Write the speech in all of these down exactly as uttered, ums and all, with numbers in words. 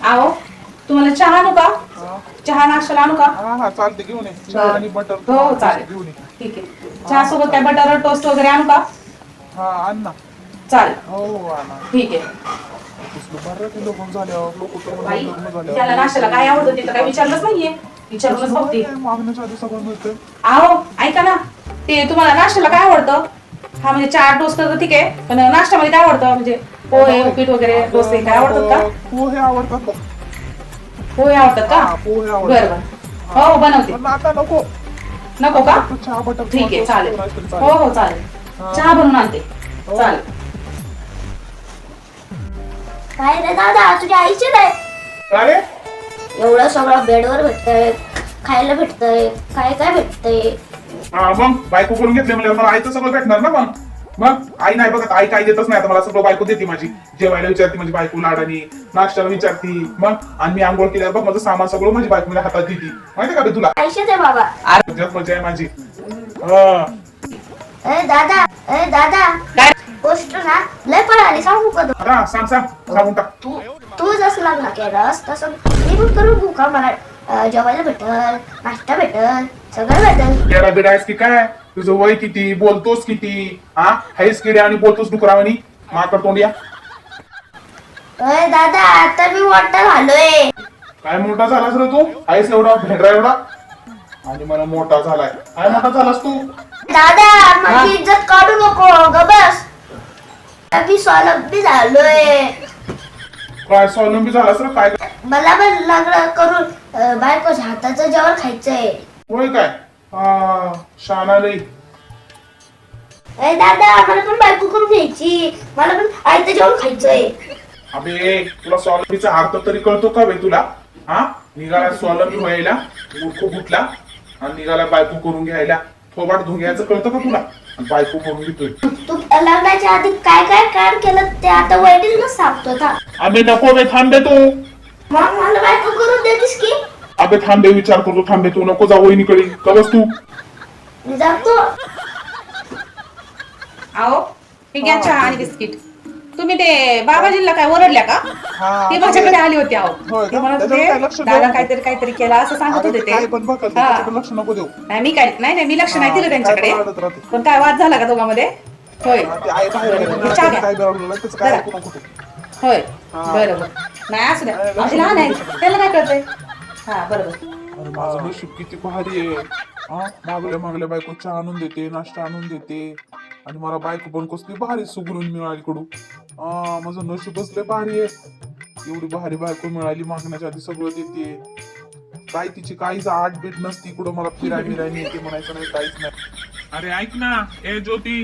आओ तुम्हाला चहा आणू का? चहा नाश्ता आणू का? हा हा चालते घेऊन ये चहा आणि बटर हो हो चालेल घेऊन ये. ठीक आहे. चहा सोबत काय बटर टोस्ट वगैरे आणू का? हा आण ना. चालेल हो हो आणा. ठीक आहे. कसलं बरं ते लोक झाल्यावर लोक तर बाई लग्न झाल्यावर त्याला नाश्त्याला काय आवडतं ते तर काही विचारलंच नाहीये. विचारूनच बघते. मागण्याच्या आधी सगळं मिळतं. आओ ऐका ना ते तुम्हाला नाश्त्याला काय आवडतं? हा म्हणजे चहा टोस्ट तर ठीक आहे पण नाश्त्यामध्ये काय आवडतं म्हणजे पोहे उपीट वगैरे डोसे काय आवडतात का? पोहे आवडतात बघ. पोहे आवडतात का? हा, पोहे बरं आवडतात. बरं हो बनवते. पण आता नको नको का? तू चहा बटर ठीक आहे चालेल चालेल. हो हो चालेल चहा बनवून आणते हो. चालेल. काय रे दादा तुझ्या आईचे नाही अरे एवढं सगळं बेडवर भेटतंय खायला भेटतंय काय काय भेटतंय हा मग बायको करून घेतले म्हणजे मला आईचं सगळं भेटणार ना मग मग आई नाही बघत आई काय देतच नाही आता मला सगळं बायको देते माझी जेवायला विचारते माझी बायको लाडानी नाश्त्याला विचारती मग आणि मी आंघोळ केल्यावर बघ माझं सामान सगळं माझी बायको मला हातात देते माहिती का बे तुला आईशेच आहे बाबा तुझ्यात मजा आहे माझी हा. अरे दादा अरे दादा काय गोष्ट ना लय पळाली सांगू का तू? हा सांग सांग सांगून टाक तू तू जसं लग्न केलंस तसं मी पण करून घेऊ का मला अं, जेवायला भेटल नाश्ता भेटल सगळं भेटल केडा बिडा आहेस की काय तुझं वय किती बोलतोस किती हा हायस किडे आणि बोलतोस डुकरावानी माकड तोंडिया अरे दादा आता मी मोठा झालोय काय मोठा झालास रे तू आहेस एवढा भेंडरा एवढा आणि मला मोठा झालाय काय मोठा झालास तू दादा माझी इज्जत काढू नको ग बस मी स्वावलंबी झालोय काय स्वावलंबी झालास रे काय मला पण लग्न करून अं, बायकोच्या हाताचं जेवण खायचंय होय काय हा शाना लई अरे दादा मला पण बायको करून घ्यायची मला पण आईचं जेवण खायचंय अबे तुला स्वावलंबीचा अर्थ तरी कळतो का बे तुला हा निघाला स्वावलंबी व्हायला मूर्ख फुटला आणि निघाला बायको करून घ्यायला थोबाट धुंग्याचं कळतं का तुला आणि बायको करून घेतोय तू लग्नाच्या आधी काय काय काम केलं ते आता वैदिकच सांगतो था अबे नको बे थांबे तू मग मला बायको करून देतीस की अबे थांबे विचार करतो थांबे तू नको जा वहिनीकडे का बस तू मी जातो आओ ठीक आहे चहा आणि बिस्किट. तुम्ही ते बाबाजींना काय ओरडल्या का? हा. ते माझ्याकडे आली होती आओ होय का? ते म्हणत त्याच्यावर काय होते लक्ष दादा देऊ? काहीतरी काहीतरी केला असं सांगत होते ते काय पण बघ हा. त्याच्याकडे लक्ष नको देऊ नाही मी काय नाही नाही मी लक्ष नाही दिलं हा, त्यांच्याकडे काय पण रडत राहते. पण काय वाद झाला का दोघांमध्ये? होय हा, ते आई बाहेर गेली. बरं, चहा घ्या. काय बिघडलं त्याचं काय जरा. ऐकू नको तू. होय हा. बरोबर नाही असू द्या नाही, अशी लहान आहे त्याला काय कळतंय हा बरोबर अरे माझं नशीब किती भारी आहे हा मागल्या मागल्या बायको चहा आणून देते नाश्ता आणून देते आणि मला बायको पण कसली भारी सुगरून मिळाली कडू हा माझं नशीबच लय भारी आहे एवढी भारी बायको मिळाली मागण्याच्या आधी सगळं देते काय तिची काहीच आठ बीट नसती कुठं मला फिराय बिराय नेते म्हणायचं नाही काहीच नाही अरे ऐक ना ए ज्योती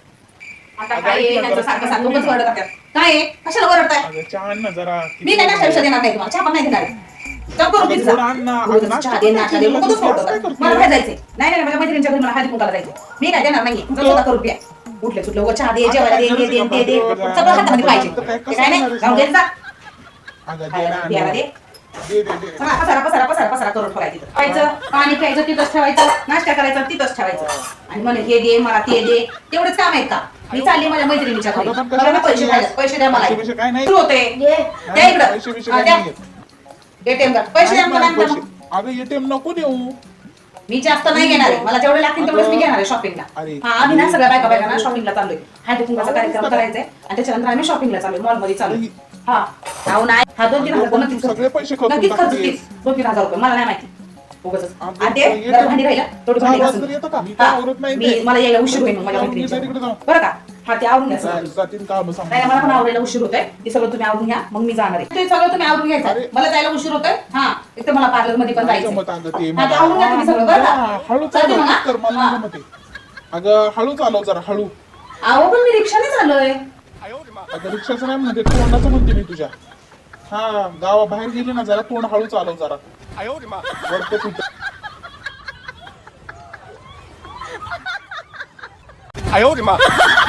आता काय आहे त्यांचं सारखं सारखं उगाच ओरडत असतात. काय आहे कशाला ओरडताय अगं चहा आण ना जरा मी काय नाश्ता विषय देणार नाही तुम्हाला चहा पण नाही देणार चहा करून अगं पिझ्झा. थोडं आण ना. रोज नाश्ता चहा दे नाश्ता दे करायची मग कसं गरज सोडतं? काय करते? मला काय जायचंय नाही नाही माझ्या मैत्रिणीच्या घरी मला हळदी कुंकाला जायचं मी काय देणार नाहीये चल स्वतः करून प्या उठले सुटले उगाच चहा दे जेवायला दे दे दे दे दे सगळं हातामध्ये पाहिजे ते काय नाही जाऊन दे जा अगं दे खायला ना, प्यायला दे दे दे दे चला पसारा पसारा पसारा पसारा करून ठेवायचं तिथं खायचं पाणी प्यायचं तिथंच ठेवायचं नाश्ता करायचा तिथंच ठेवायचं आणि मला हे दे मला ते दे तेवढंच काम आहे का मी चालली माझ्या मैत्रिणीच्या घरी अगं पण मला ना पैसे कशाला द्या पैसे द्या मला पैसे बिशे काय नाही. सुरू होते घे द्या इकडं पैसे बिशे हा, काय द्या. नाहीये. एटीएम कार्ड पैसे द्या मला नाही, नंतर पैसे. मग. अगं एटीएम नको देऊ मी जास्त नाही घेणार आहे मला जेवढे लागतील तेवढेच मी घेणार आहे शॉपिंगला अरे. हा आम्ही ना सगळ्या बायका बायका ना शॉपिंगला चाललोय हळदी कुंकाचा कार्यक्रम करायचा आहे आणि त्याच्यानंतर आम्ही शॉपिंगला चाललोय मॉलमध्ये चाललोय हा अहो नाही हा दोन तीन हजार रुपये नक्कीच सगळे पैसे खर्चून नक्कीच खर्च टाकते. होतील. दोन तीन हजार रुपये मला नाही माहिती उगाचच. आमचं आणि ते येतं. जरा भांडी राहिला थोडी भांडी चहा घासून. वाजता येतं का? मी हा, काय आवरत नाही मी ते. मला यायला उशीर होईल मग माझ्या जाऊन मैत्रिणीच्या मी तिकडे घरी. जाऊ. बरं का हा ते आवरून घ्या सगळं. जातील काम नाही नाही, मला पण आवरायला उशीर होतोय ते सगळं तुम्ही आवरून घ्या मग मी जाणार आहे ते सगळं तुम्ही आवरून घ्यायचं अरे. मला जायला उशीर होतोय हा एक तर मला पार्लर मध्ये पण जायचं जमत अगं ते हा, ते आवरून घ्या तुम्ही सगळं बरं हा, का हळू चालते मग, चालव कर मला हा? नाही जमत आहे. अगं हळू चालव जरा हळू अहो पण मी रिक्षाने चाललोय अगं रिक्षाचं नाही म्हणते तोंडाचं म्हणते मी तुझ्या हा गावाबाहेर गेली ना जरा तोंड हळू चालव जरा वरतं तुझं 哎呦我的妈！